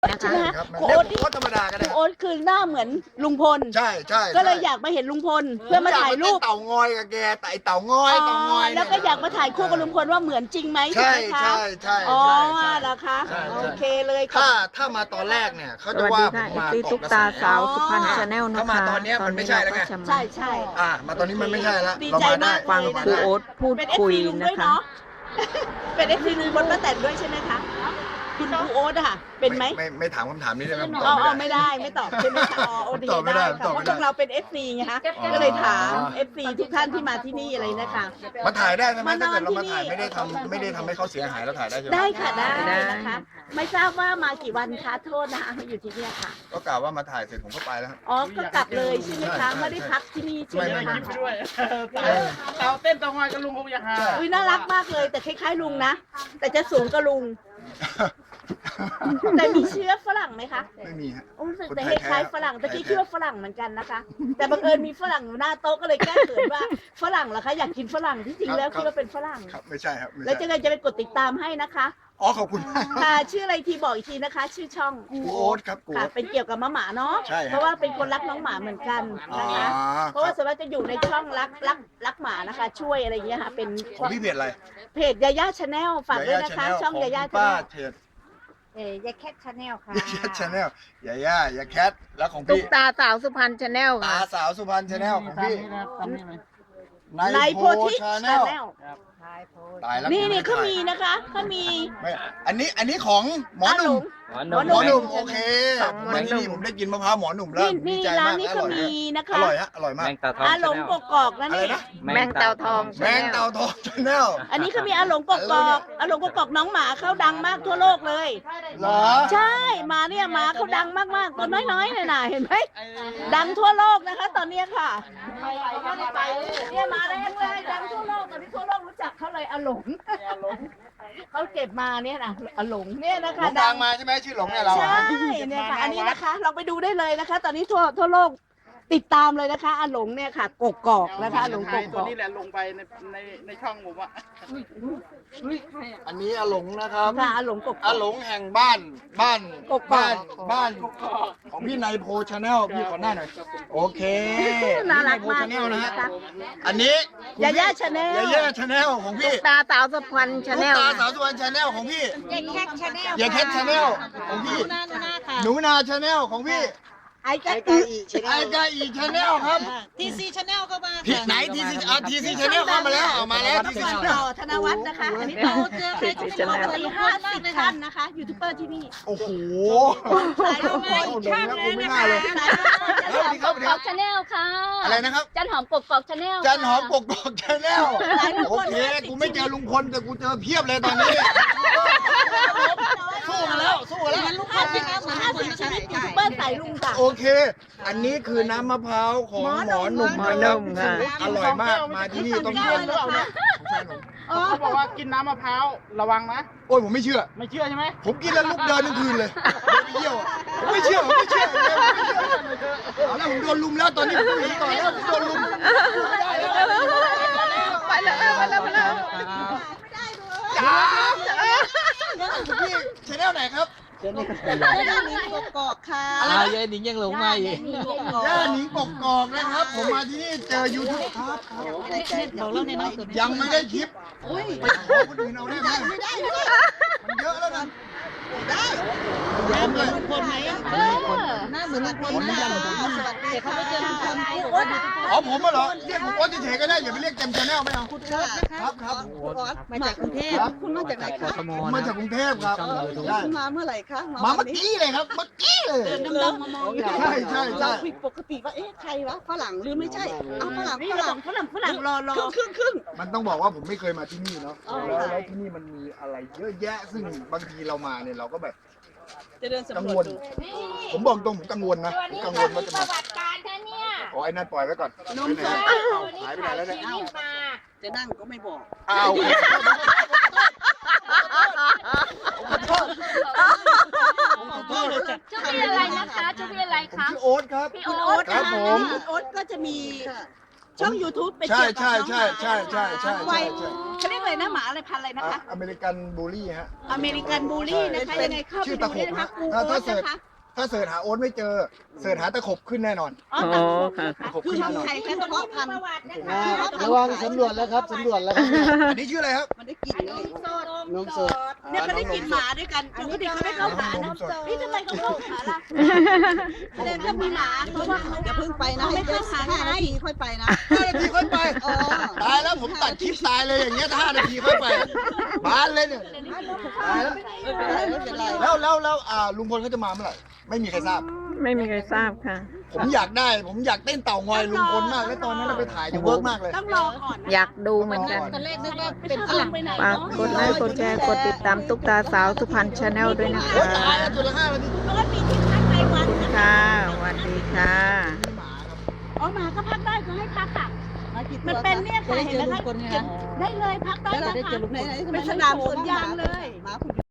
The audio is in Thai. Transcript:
นะคะใช่ไหมฮะครับครูเรียโอ๊กตโอ๊ตธรรมดาก็คได้รูโอ๊ตคือหน้าเหมือนลุงพลใช่ใช่ก็เลยอยากมาเห็นลุงพลเพื่อมาถ่ายรูปเต่างอยกับแกแต่ไอเต่างอยเต่างอยแล้วก็อยากมาถ่ายคู่กับลุงพลว่าเหมือนจริงไหมใช่ไหมคะใช่ใช่อ๋อใช่เหรอคะใช่โอเคเลยค่ะถ้ามาตอนแรกเนี่ยเขาสจะวัสว่าดีผมค่ะมาซีเกาะตุ๊กกระแสตาสาวสุพรรณชาแนลนะคะถ้ามาตอนเนี้ยมันไม่ใช่แล้วไงตอนนี้ใช่เราก็ใช่จะมาตอนนี้มันไม่ใช่แล้วดีเราใจมาได้มากฟังเลยนะครูโอ๊ตพูดเป็นคุย FC ลุงนะด้วยคะเนาะ เป็นFC ลุงพลป้าแตนด้วยใช่ไหมคะคุณครูโอ๊ตอะค่ะเป็นไหมไม่ถามคำถามนี้ได้ไหมผมตอ๋ออบไม่ได้ไม่ตอบใช่ไหมคะอ๋อโอเคตอบไม่ได้ได้ค่ะตอบเพไม่ได้ราะพวกเราเป็น FC ไงคะอ๋อก็เลยถาม FC ทุกท่านที่มาที่นี่อะไรนะคะมาถ่ายได้ใช่ไหมมานอนถ้าเกิดเรามาที่นี่ถ่ายไม่ได้ทำให้เขาเสียหายเราถ่ายได้ใช่ไหมได้ค่ะได้ได้นะคะ ไม่ทราบว่ามากี่วันคะโทษนะคะมาอยู่ที่เนี่ยค่ะก็กล่าวว่ามาถ่ายเสร็จผมก็ไปแล้วครับอ๋อก็กลับเลยใช่ไหมใช่คะใช่ไม่ได้พักที่นี่ใช่ไหมไม่คะไม่ด้วยเต่าเต้นเต่างอยกับลุงคงอยากหาอุ้ยน่ารักมากเลยแต่คล้ายๆลุงนะ แต่จะสูงกว่าลุง แต่มีเชื้อฝรั่งไหมคะไม่มีฮะโอ้รู้สึกคนแต่ไทคยล้ายแท้ๆฝรั่งตะกี้คิดว่าฝรั่งเหมือนกันนะคะ แต่บังเอิญมีฝรั่งอยู่หน้าโต๊ะก็เลยแก้เขินว่าฝรั่งเหรอคะอยากกินฝรั่งที่จริงแล้วคิดว่าเป็นฝรั่งครับไม่ใช่ครับไม่แล้วจะใช่ไงจะไปกดติดตามให้นะคะอ๋อขอบคุณมากค่ะชื่ออะไรทีบอกอีกทีนะคะ ชื่อช่องกูโอ๊ตครับกูค่ะโอ๊ตเป็นเกี่ยวกับหมาเนาะใช่ครับเพราะว่าเป็นคนรักน้องหมาเหมือนกันอ๋อนะคะ เพราะว่าส่วนมากจะอยู่ในช่องรักหมานะคะ ช่วยอะไรอย่างเงี้ยค่ะเป็นของพี่เพจอะไรเพจยาย่าชาแนลฝากด้วยนะคะ ช่องยาย่าของชาป้าแนลเทดยาแคทชาแนลค่ะยาแคทชาแนลยาย่ายาแคทแล้วของตุ๊พี่กตาสาวสุพรรณชาแนลตาค่ะสาวสุพรรณชาแนลของพี่ตามนี้ไหมในโพธิชาชาแนแนลลทายโพสตายแล้วนี่กูไม่เขาถ่ยมีนะคะเขามีไม่อันนี้ของหมอหนุ่มหมอหมอหนุ่มหโอเคมาที่นี่ผมได้กินมะพร้าวหมอหนุ่มแล้วนี่ดีนี่ใจร้านมากนี้อเขาร่อยมีนะอคะร่อยฮะอร่อยมากอาหลงกกอกนะอะไรนี่นะแมงเต่าทองแมงเต่าทองชาแนลอันนี้เขามีอาหลงกกอกอาหลงกกอกน้องหมาเขาดังมากทั่วโลกเลยเหรอใช่มาเนี่ยหมาเขาดังมากๆตัวน้อยๆเนี่ยนะเห็นไหมดังทั่วโลกนะคะ ตอนเนี้ยค่ะเนี่ยมาแรงเลยดังทั่วโลกตอนนี้ทั่วโลกรู้จักเขาเลยอาหลงเขาเก็บมาเนี่ยนะอาหลงเนี่ยนะหลคะงทางมาใช่ไหมชื่อหลงเนี่ยเราใช่อะเนี่ยค่ะอันนี้นะคะเราไปดูได้เลยนะคะ ตอนนี้ทั่วโลกติดตามเลยนะคะอาหลงเนี่ยค่ะกกอกนะคะอาหลงกตัวกอกนี้แหละลงไปในช่องผมอ่ะอันนี้อาหลงนะครับค่ะอาหลงกกออาก หลงแห่งบ้านกกอกบ้านของพี่นายโพชาแนลพี่ขอหน้าหน่อยโอเคน่ารักพี่มากชาแนลนะฮะนะคะอันนี้คุณยาย่าชาแนลยาย่าชาแนลของพี่ตุ๊กตาสาวสุพรรณชาลูแนกลตาสาวสุวรรณชาแนลของพี่ยาแคทชาแนลยาแคทชาแนลของพี่ หนูนาชาแนลของพี่ไอ้กะไอกาอีชาแนลครับทีซีชาแนลก็มาพี่ไหนทีซีทีซีชาแนลเข้ามาแล้วเอามาแล้วทีซีชาแนต่ลอธนวัฒน์นะคะ อันนี้ต่อเจอใครก็จะบอกเลย50 ท่านนะคะยูทูบเบอร์ที่นี่โอ้โหสายลงเลยหลงแล้วกูไม่น่าเลยสายลงครับกอกชาแนลค่ะอะไรนะครับจันหอมกกอกชาแนลจันหอมกกอกชาแนลโอเคกูไม่เจอลุงพลแต่กูเจอเพียบเลยตอนนี้สู้กันแล้วสู้กันแล้ว 50 ชีวิตยูทูบเบอร์สายลุงค่ะโอเค อันนี้คือน้ำมะพร้าวของหมอหนุ่มหมอหนุ่มค่ะอร่อยมากมาที่นี่ต้องกินเลยค่ะของแฟนผมเขาบอกว่ากินน้ำมะพร้าวระวังนะโอ้ยผมไม่เชื่อไม่เชื่อใช่ไหมผมกินแล้วลุกเดินทั้งคืนเลยไปเที่ยวอะผมไม่เชื่อผมไม่เชื่อเอาแล้วผมโดนลุมแล้วตอนนี้ผมเห็นต่อแล้วผมโดนลุมไปแล้วจ้าพี่ชแนลไหนครับกกอกค่ะยายหนิงยังหลงมาอีกย่าหนิงกกอกนะครับ ผมมาที่นี่เจอยูทูบครับบอกเล่าในน้องสุดยังไม่ได้คลิปไปขอคนอื่นเอาได้ไหมมันเยอะแล้วนะยอมเลยคนไหมหน้าเหมือนลุงพลนะสวัสดีค่ะเขาไปเจอลุงพลอ๋อผมมาเหรอเรียกผมว่าเฉยๆก็ได้อย่าไปเรียกเต็มชแนลไม่เอา ครับครับมาจากกรุงเทพคุณมาจากไหนคะผมมาจากกรุงเทพครับได้คุณมาเมื่อไหร่คะมาเมื่อกี้เลยครับเมื่อกี้เลยดำๆมองอยู่ใช่ใช่ใช่เราผิดปกติว่าเอ๊ะใครวะฝรั่งหรือไม่ใช่เอาฝรั่งนี่ฝรั่งรอครึ่งมันต้องบอกว่าผมไม่เคยมาที่นี่เนาะแล้วที่นี่มันมีอะไรเยอะแยะ ซึ่งบางทีเรามาเนี่ยเราก็แบบจะเดินกังสำรววลจดูผมบอกตรงผมกังวลนะผมกังวลว่าจะมาการท่านเนี่ยอ๋อไอ้นั่นปล่อยไว้ก่อนนมสดหายไปไหนแล้วเนี่ยชีวิตมาจะนั่งก็ไม่บอกอ้าวชื่อพี่อะไรนะคะชื่อพี่อะไรผมคะชื่อโอ๊ตครับพี่คุณโอ๊โอ๊ตตครับผมคุณโอ๊ตก็จะมีช่อง YouTube เป็นใช่เกี่ยวกับใช่น้องหใช่มาใช่ใช่ใช่ไวใช่เขาเรียกอะไรนะหมาอะไรพันธุ์อะไรนะคะอเมริกันบูลลี่ฮะอเมริกันบูลลี่นะคะเป็ยังไงเข้าไปชื่อดูตะขได้บนะคะฮะครูถ้าโอ๊ตเสิร์ชนะคะถ้าเสิร์ชหาโอ๊ตไม่เจอเสิร์ชหาตะขบขึ้นแน่นอนอ๋อตะขบนะคะตะขบคือขึ้นช่องแน่นอนไทยแค่เฉพาะพันธุ์ระวังสำรวจแล้วครับสำรวจแล้วครับอันนี้ชื่ออะไรครับมันได้กลิ่นเลยนมสดเนี่ยเขาได้กินหมาด้วยกันปกติเขาไม่เข้าหานะนี่ทำไมเขาเข้าหาล่ะแสดงว่ามีหมาเพราะว่าเขาอย่าเพิ่งไปนะไม่เข้าหา 5 นาทีค่อยไปนะ 5 นาทีค่อยไปอ๋อตายแล้วผมตัดคลิปตายเลยอย่างเงี้ยถ้า5 นาทีค่อยไปบานเลยเนี่ยตายแล้วไม่เป็นไรแล้วลุงพลเขาจะมาเมื่อไหร่ไม่มีใครทราบไม่มีใครทราบค่ะผมอยากเต้นเต่างอยลุงพลมากแล้วตอนนั้นเราไปถ่ายจะเวิร์กมากเลยต้องรอก่อนอยากดูเหมือนกันตอนแรกนึกว่าเป็เป็น นฝฝรั่รั่งงไปไหนฝากกดไลค์กดแชร์กดติดตามตุ๊กตาสาวสุพรรณชาแนลด้วยนะโอ้คะตายแล้วตัวละ5 นาทีปกติที่พักรายวันนะคะค่ะสวัสดีค่ะหมาครับอ๋อหมาก็พักได้เขาให้พักค่ะมากี่ตัวมันเป็นเนี่ยค่ะจะได้เห็เจนอไหมลุงคะพลเนี่ยเก็นะบได้เลยพักได้แล้วนะได้คะเจอลุงพลเป็นสนามสวนยางเลยหมาคุณ